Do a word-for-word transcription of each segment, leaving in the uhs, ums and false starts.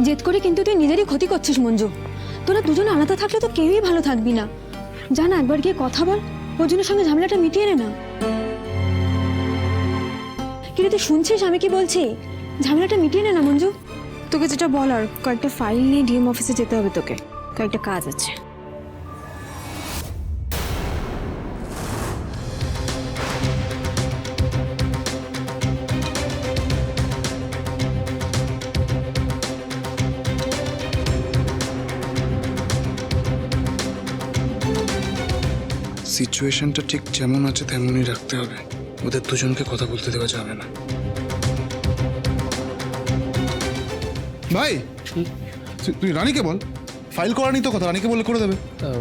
জেদ করে কিন্তু তুই নিজেরই ক্ষতি করছিস মঞ্জু। তোরা দুজন আলাদা থাকলে তো কেউই ভালো থাকবি না। যা না, একবার গিয়ে কথা বল, অর্জুনের সঙ্গে ঝামেলাটা মিটিয়ে নে না। কিন্তু তুই শুনছিস আমি কি বলছি? ঝামেলাটা মিটিয়ে নে না মঞ্জু। তোকে যেটা বলার, কয়েকটা ফাইল নিয়ে ডিএম অফিসে যেতে হবে, তোকে কয়েকটা কাজ আছে। সিচুয়েশনটা ঠিক যেমন আছে তেমনই রাখতে হবে, ওদের দুজনকে কথা বলতে দেওয়া যাবে না। ভাই তুই- তুই রানীকে বল, ফাইল করা নি তো কথা, রানীকে বললে করে দেবে।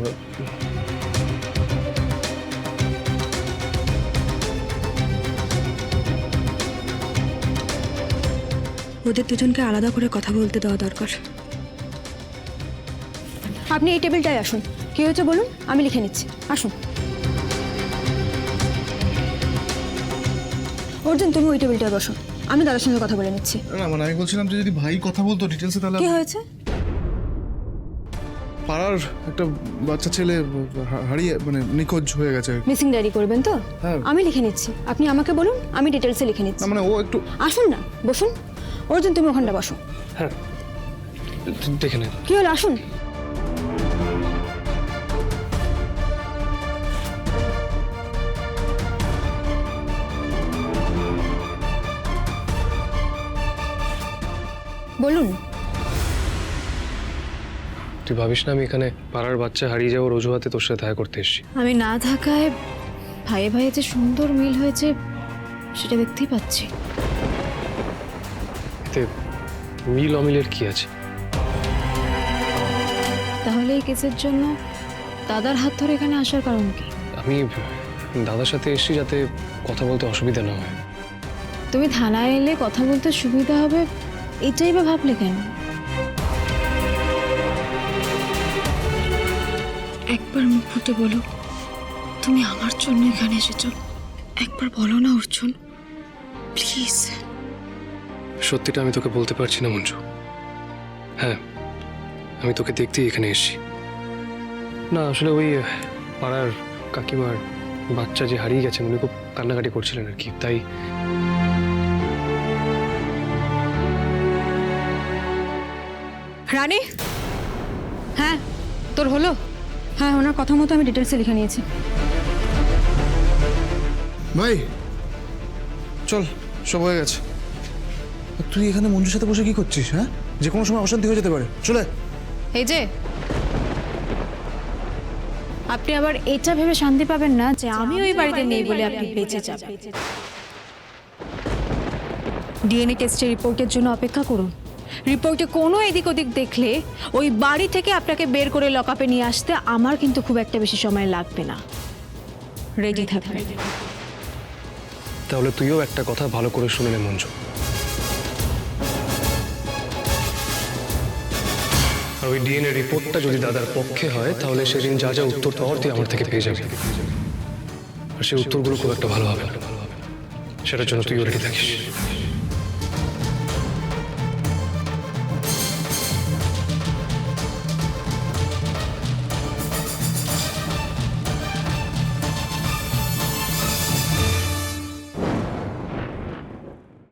ওদের দুজনকে আলাদা করে কথা বলতে দেওয়া দরকার। আপনি এই টেবিলটায় আসুন। কি হয়েছে বলুন, আমি লিখে নিচ্ছি। আসুন। অর্জুন, তুমি ওই টেবিলটায় বসো, আমি দাদার সঙ্গে কথা বলে নিচ্ছি। না মানে আমি বলছিলাম যে যদি ভাই কথা বলতো ডিটেলসে তাহলে। কি হয়েছে? পাড়ার একটা বাচ্চা ছেলে হা- হারিয়ে মানে নিখোঁজ হয়ে গেছে। মিসিং ডায়েরি করবেন তো? হ্যাঁ। আমি লিখে নিচ্ছি, আপনি আমাকে বলুন, আমি ডিটেলসে লিখে নিচ্ছি। না মানে ও একটু। আসুন না, বসুন। অর্জুন, তুমি ওখানটা বসো। হ্যাঁ, দেখে নে। কি হলো, আসুন। বলুন। তুই ভাবিস না আমি এখানে পাড়ার বাচ্চা হারিয়ে যাওয়ার অজুহাতে তোর সাথে দেখা করতে এসেছি? আমি না থাকায় ভাইয়ে ভাইয়ে যে সুন্দর মিল হয়েছে সেটা দেখতেই পাচ্ছি। এতে মিল অমিলের কি আছে? তাহলে এই কেসের জন্য দাদার হাত ধরে এখানে আসার কারণ কি? আমি দাদার সাথে এসেছি যাতে কথা বলতে অসুবিধা না হয়। তুমি থানায় এলে কথা বলতে সুবিধা হবে এটাই বা ভাবলে কেন? একবার মুখ ফুটে বলো তুমি আমার জন্য এখানে এসেছো। একবার বলো না অর্জুন, প্লিজ। সত্যিটা আমি তোকে বলতে পারছি না মঞ্জু। হ্যাঁ, আমি তোকে দেখতেই এখানে এসেছি। না আসলে ওই পাড়ার কাকিমার বাচ্চা যে হারিয়ে গেছেন উনি খুব কান্নাকাটি করছিলেন আর কি, তাই। রানী, হ্যাঁ তোর হলো? হ্যাঁ, ওনার কথা মতো আমি ডিটেলসে লিখে নিয়েছি। ভাই চল, সব হয়ে গেছে। আর তুই এখানে মঞ্জুর সাথে বসে কি করছিস? হ্যাঁ, যে কোনো সময় অশান্তি হয়ে যেতে পারে, চলে। এই যে আপনি আবার এটা ভেবে শান্তি পাবেন না যে আমি ওই বাড়িতে নেই বলে আপনি বেঁচে যাবেন। ডিএনএ টেস্টের রিপোর্টের জন্য অপেক্ষা করুন। রিপোর্টে কোনো এদিক ওদিক দেখলে ওই বাড়ি থেকে আপনাকে বের করে লকআপে নিয়ে আসতে আমার কিন্তু খুব একটা বেশি সময় লাগবে না। রেডি থাকবেন। তাহলে তুইও একটা কথা ভালো করে শুনে নে মঞ্জু। আর ওই ডিএনএ রিপোর্টটা যদি দাদার পক্ষে হয় তাহলে সেদিন যা যা উত্তর পাওয়ার তুই আমার থেকে পেয়ে যাবি। আর সেই উত্তরগুলো খুব একটা ভালো হবে না, সেটার জন্য তুইও রেডি থাকিস।